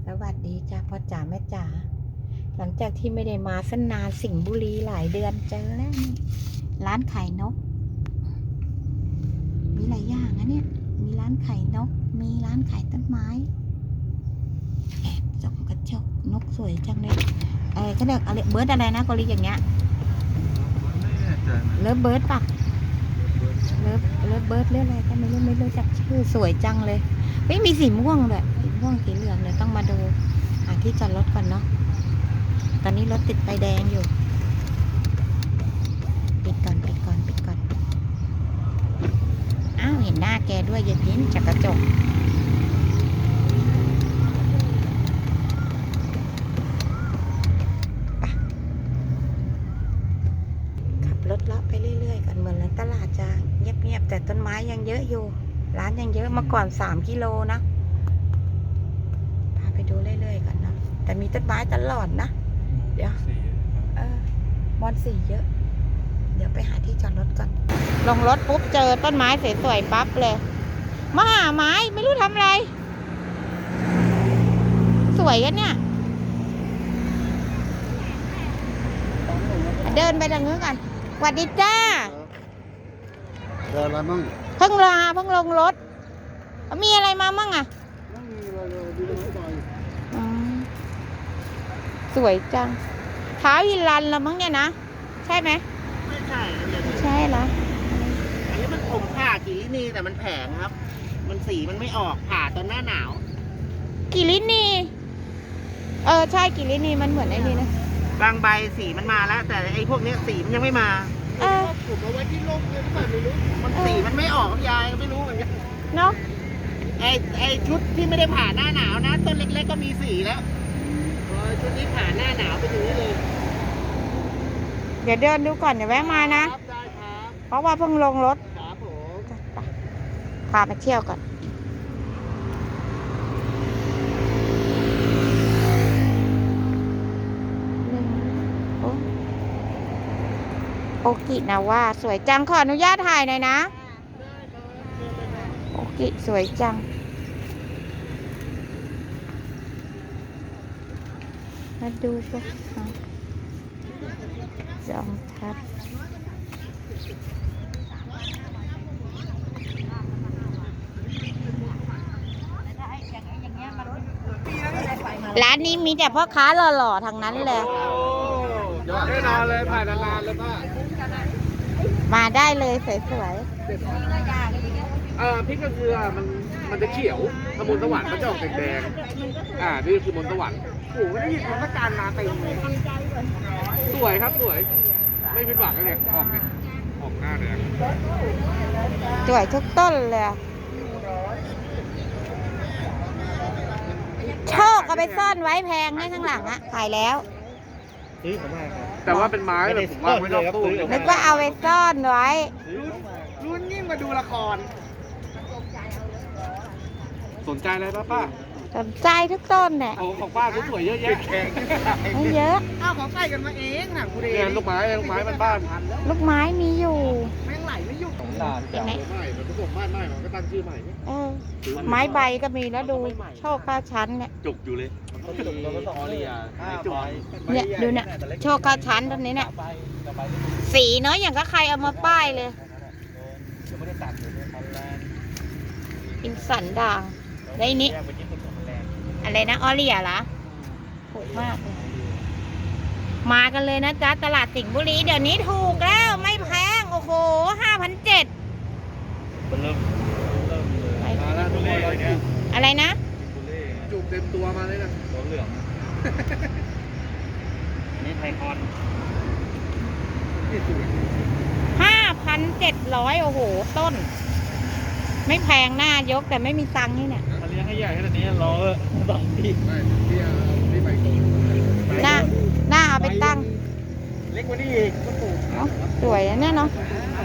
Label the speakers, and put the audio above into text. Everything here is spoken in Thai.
Speaker 1: วัสดีจ้าพ่อจ๋าแม่จ๋าหลังจากที่ไม่ได้มาสันนานสิงห์บุรีหลายเดือนเจอแล้วนี่ร้านขายนกมีหลายอย่างนะเนี่ยมีร้านขายนกมีร้านขายต้นไม้แอบส่องกระจกนกสวยจังเลยเขาเรียกอะไรเบิร์ดอะไรนะกอริอย่างเงี้ยเลิฟเบิร์ดปะเลิฟเบิร์ดเรื่องอะไรก็ไม่รู้จักชื่อสวยจังเลยไม่มีสีม่วงด้วยสีม่วงสีเหลืองเลยต้องมาดูหาที่จอดรถก่อนเนาะตอนนี้รถติดไฟแดงอยู่ปิดก่อนอ้าวเห็นหน้าแกด้วยอย่าพิ้นจากกระจกขับรถเลาะไปเรื่อยๆก่อนเหมือนตลาดจะเงียบๆแต่ต้นไม้ยังเยอะอยู่ร้านยังเยอะเมื่อก่อน3 กิโลนะพาไปดูเรื่อยๆก่อนเนาะแต่มีต้นไม้ตลอดนะเดี๋ยวมอนสีเยอะเดี๋ยวไปหาที่จอดรถก่อนลงรถปุ๊บเจอต้นไม้สวยๆปั๊บเลยมาหาไม้ไม่รู้ทำอะไรสวยกันเนี่ยเดินไปทางนู้นกันสวัสดีจ้า
Speaker 2: เดินอะไรมั่ง
Speaker 1: เพิ่งลงรถมีอะไรมามั่งอ่ะ
Speaker 2: ไม่มีอะไรเลยดูรถไฟ
Speaker 1: สวยจังท้าวฮิลันละมั้งเนี่ยนะใช่ไหม
Speaker 3: ไม่ใช่
Speaker 1: ใช่เหรอ
Speaker 3: อันนี้มันผมผ่ากิรินีแต่มันแผงครับมันสีมันไม่ออกผ่าตอนหน้าหนาว
Speaker 1: กิรินีใช่กิรินีมันเหมือนไอ้นี่นะ
Speaker 3: บางใบสีมันมาแล้วแต่ไอ้พวกนี้สีมันยังไม่มาผมเอาไว้ที่ร่มเลยหรือเปล่าไม่รู้มันสีมันไม่ออกยายก็ไม่รู้เหมือนกัน
Speaker 1: เนาะ
Speaker 3: ไอ้ชุดที่ไม่ได้ผ่าหน้าหนาวนะต้นเล็กๆก็มีสีแล้วชุดนี้ผ่าหน้าหนาวไปถึงนี้เลย
Speaker 1: เดี๋ยวเดินดูก่อนเดี๋ยวแวะมานะ
Speaker 3: ได้ครับ
Speaker 1: เพราะว่าเพิ่งลงรถ
Speaker 3: ครับผม
Speaker 1: พามาเที่ยวก่อนโอกินะว่าสวยจังขออนุญาตถ่ายหน่อยนะโอกิสวยจังมาดูพวกจอมทัพร้านนี้มีแต่พ่อค้าหล่อๆทางนั้นเลย
Speaker 2: แน่นอนเลยผ่านนานๆเลยป้า
Speaker 1: มาได้เลยสวย
Speaker 2: พริกกระเกลือมันจะเขียวถ้ามนสวรรค์มันจะออกแดงนี่คือมนสวรรค์
Speaker 3: โอ้โหไม่ได้ยินคำว่าการมาเต็มเลย
Speaker 2: สวยครับสวยไม่ผิดหวังเลยออกหน้าแดง
Speaker 1: สวยทุกต้นเลยโชคเอาไปซ่อนไว้แพงให้ข้างหลังอะขายแล้ว
Speaker 2: แต่ว่าเป็นไม้แบบผมว่าไม่ต้องตู้
Speaker 1: นึกว่าเอาไปซ่อนไว้
Speaker 3: รุ่นยิ่งมาดูละคร
Speaker 2: สนใจอะไรป้า
Speaker 1: สนใจทุกต้นเนี่ย
Speaker 2: ของป้าสวยเยอะแยะ
Speaker 1: ไม่เยอะ
Speaker 3: ของใส่กันมาเองนะคุณเอง
Speaker 2: ลูกไม้บ้าน
Speaker 1: ลูกไม้มีอยู่
Speaker 3: แม่งไหลไม่หยุด
Speaker 2: เป็นไงไม้มันผสมบ้านไม้มันก็ตั้งชื่อใหม่
Speaker 1: ไม้ใบก็มีแล้วดูโชคข้าชั้นเนี่ย
Speaker 2: จุกอยู่เลย
Speaker 1: เนี่ยดูเนี่ยโชคข้าชั้นตรงนี้เนี่ยสีเนาะอย่างก็ใครเอามาป้ายเลยอินสันด่างได้นี้อะไรนะออเรียเหรอถูกมากเลยมากันเลยนะจ๊ะตลาดสิงห์บุรีเดี๋ยวนี้ถูกแล้วไม่แพงโอ้โห5,700อะไรนะ
Speaker 2: จุกเต็มตัวมาเลยนะตัวเหลือง
Speaker 3: นี่ไทคอน
Speaker 1: 5,700โอ้โหต้นไม่แพงหน้ายกแต่ไม่มีตังค์นี่เนี่ย
Speaker 2: มาเลี้ยงให้ใหญ่ขนาดนี้รอ2 ปีไม่ไปก่อน
Speaker 1: หน้าเอาไปตั้ง
Speaker 3: เล็กกว่านี้อีกก็ปลูก
Speaker 1: สวยนะเนี่ยเนาะ